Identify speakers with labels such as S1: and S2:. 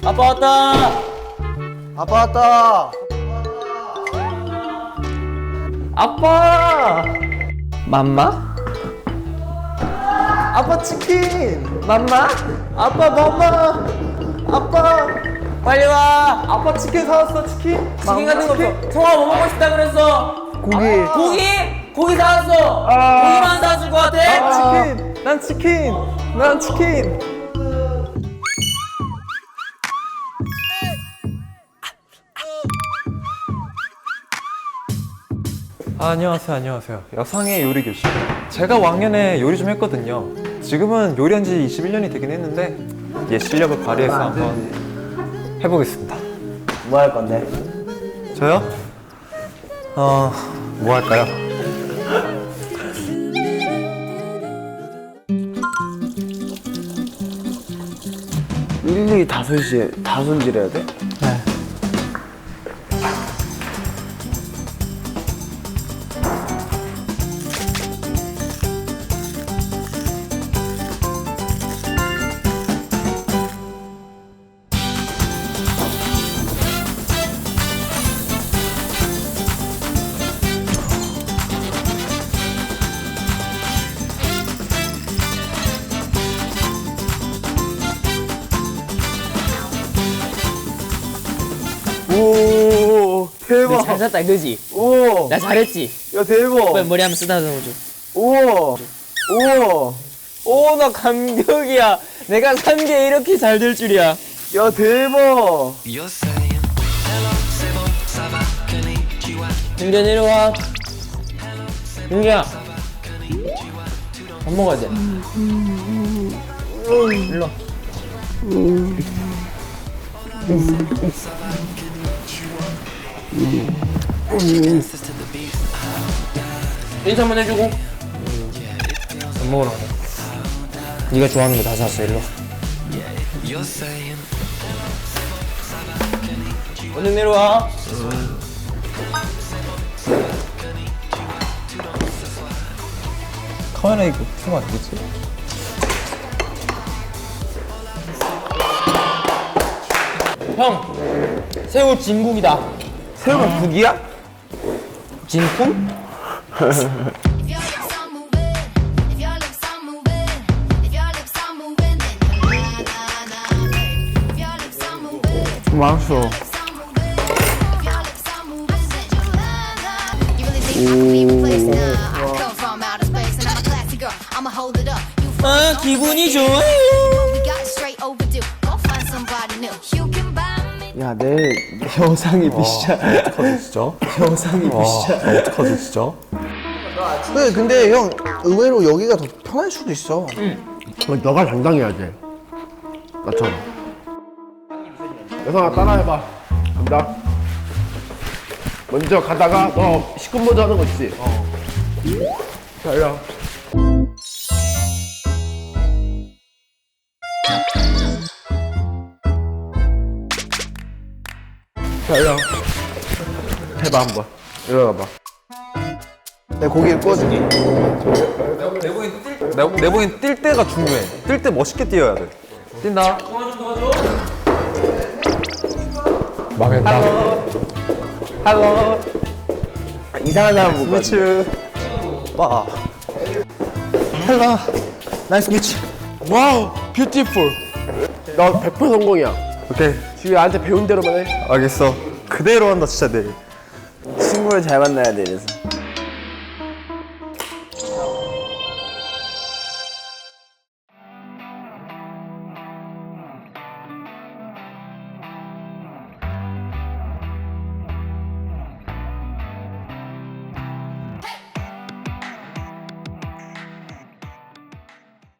S1: 아빠 왔다.
S2: 아빠 왔다.
S1: 아빠. 맘마?
S2: 아빠 치킨.
S1: 맘마?
S2: 아빠 맘마. 아빠.
S1: 빨리 와.
S2: 아빠 치킨 사왔어. 치킨.
S1: 치킨 같은 거 없어. 성아 뭐 먹고 싶다 그랬어?
S2: 고기.
S1: 고기? 고기 사왔어.
S2: 아.
S1: 고기만 사줄 것 같아?
S2: 치킨. 난 치킨. 난 치킨.
S3: 안녕하세요. 안녕하세요. 여상의 요리 교실. 제가 왕년에 요리 좀 했거든요. 지금은 요리한 지 21년이 되긴 했는데 예, 실력을 발휘해서 한번 해보겠습니다.
S2: 뭐 할 건데?
S3: 저요? 뭐 할까요?
S2: 일일이 다 손질해야 돼? 오, 대박.
S1: 잘 샀다 그지?
S2: 오,
S1: 나 잘했지?
S2: 야 대박.
S1: 빨리 머리 한번 쓰다듬어 줘.
S2: 우와, 우와,
S1: 오, 나 감격이야. 내가 산 게 이렇게 잘 될 줄이야.
S2: 야 대박.
S1: 윤기야 내려와. 윤기야. 밥 먹어야 돼. 일로 와. 인사 한번 해주고. 밥 먹으러 가자. 네가 좋아하는 거 다 샀어. 일로 와. 얼른 내려와.
S3: 카메라 이거 켜면 안 되지?
S1: 형, 새우 진국이다.
S2: 새우가 국이야?
S1: 진품?
S4: If your lips are moving, if your lips are moving, if your lips are moving, then you're na na na. If your lips are moving,
S2: 맛있어.
S4: lips are moving, if your lips are moving, then you're na na. You really think you can leave a place now? I come from outer space and I'm a classy girl. I'ma hold it up. You
S1: 아, 기분이 좋아요.
S4: we got it straight overdue. Go find somebody new. You can buy me.
S2: 야 내일 영상이 미션.
S3: 어떡하지 진짜?
S2: 영상이 미션.
S3: 어떡하지 진짜?
S2: 근데 형 의외로 여기가 더 편할 수도 있어.
S5: 너가 당당해야 돼. 나처럼. 여성아 따라해봐. 간다. 먼저 가다가 너 시급 먼저 하는 거 있지? 자, 이리 와. 자, 이리 와. 해봐 한번. 일어나봐.
S2: 내 고기를 구워줄게.
S3: 내보기엔 뛸 때가 중요해. 뛸 때 멋있게 뛰어야 돼. 뛴다.
S5: 망했다.
S2: 할로. 이상한 사람 못 봤지.
S3: 미츠. 와.
S2: 할로. 나이스 미치.
S5: 와우, 뷰티풀. 너 100% 성공이야.
S3: 오케이.
S5: 지금 나한테 배운 대로만 해.
S3: 알겠어. 그대로 한다 진짜 내일.
S2: 친구를 잘 만나야 돼 이래서.